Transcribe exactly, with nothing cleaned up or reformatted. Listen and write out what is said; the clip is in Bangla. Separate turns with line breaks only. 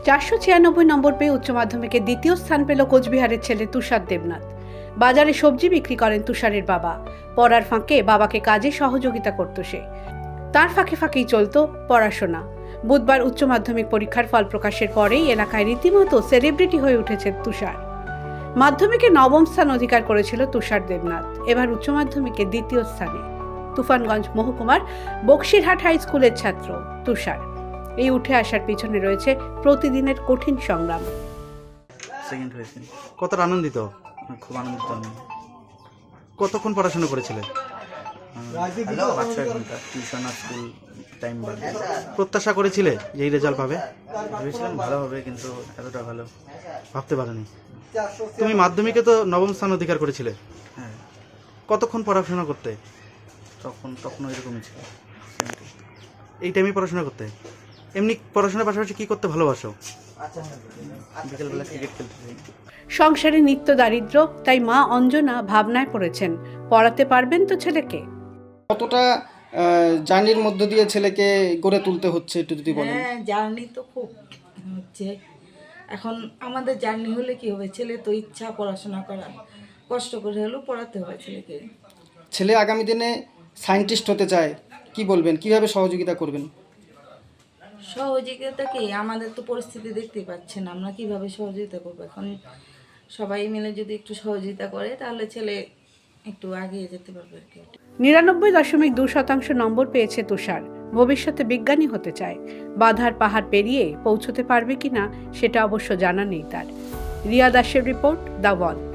চারশো ছিয়ানব্বই নম্বর পেয়ে উচ্চ মাধ্যমিকে দ্বিতীয় স্থান পেল কোচবিহারের ছেলে তুষার দেবনাথ। বাজারে সবজি বিক্রি করেন তুষারের বাবা। পড়ার ফাঁকে বাবাকে কাজে সহযোগিতা করত সে। তার ফাঁকে ফাঁকেই চলত পড়াশোনা। বুধবার উচ্চ মাধ্যমিক পরীক্ষার ফল প্রকাশের পরেই এলাকায় রীতিমতো সেলিব্রিটি হয়ে উঠেছে তুষার। মাধ্যমিকে নবম স্থান অধিকার করেছিল তুষার দেবনাথ। এবার উচ্চ মাধ্যমিকে দ্বিতীয় স্থানে। তুফানগঞ্জ মহকুমার বক্সিরহাট হাই স্কুলের ছাত্র তুষার। এই উঠে আসার পিছনে রয়েছে প্রতিদিনের কঠিন সংগ্রাম।
সেকেন্ড হয়েছে। কতটা আনন্দিত? খুব আনন্দিত আমি। কতক্ষণ পড়াশোনা করেছিলে? পাঁচ ছয় ঘন্টা টিউশন আর স্কুল টাইম বাদ। প্রত্যাশা করেছিলে যে এই রেজাল্ট পাবে? ভেবেছিলাম ভালো হবে, কিন্তু এতটা ভালো ভাবতে পারিনি। তুমি মাধ্যমিকে তো নবম স্থান অধিকার করেছিলে। হ্যাঁ। কতক্ষণ পড়াশোনা করতে? তখন তখন এরকমই ছিল। এই টাইমে পড়াশোনা করতে? এমনি পড়াশোনার পাশাপাশি কি করতে ভালোবাসো? বিকেলবেলা ক্রিকেট খেলতে চাই।
সংসারে নিত্য দারিদ্র, তাই মা অঞ্জনা ভাবনায় পড়েছেন, পড়াতে পারবেন তো ছেলেকে।
কতটা জার্নির মধ্য দিয়ে ছেলেকে গড়ে তুলতে হচ্ছে একটু যদি বলেন।
হ্যাঁ, জার্নি তো খুব হচ্ছে। এখন আমাদের জার্নি হলে কি হবে, ছেলে তো ইচ্ছা পড়াশোনা করার, কষ্ট করে হলেও পড়াতে হবে ছেলেকে।
ছেলে আগামী দিনে সায়েন্টিস্ট হতে চায়, কি বলবেন, কিভাবে সহযোগিতা করবেন?
সহযোগিতা কি, আমাদের তো পরিস্থিতি দেখতেই পাচ্ছেন, আমরা কিভাবে সহযোগিতা করবো। এখন সবাই মিলে যদি একটু সহযোগিতা করে তাহলে ছেলে একটু এগিয়ে যেতে পারবে আর কি।
নিরানব্বই দশমিক দু শতাংশ নম্বর পেয়েছে তুষার। ভবিষ্যতে বিজ্ঞানী হতে চায়। বাধার পাহাড় পেরিয়ে পৌঁছতে পারবে কিনা সেটা অবশ্য জানা নেই তার। রিয়া দাসের রিপোর্ট, দ্য ওয়াল।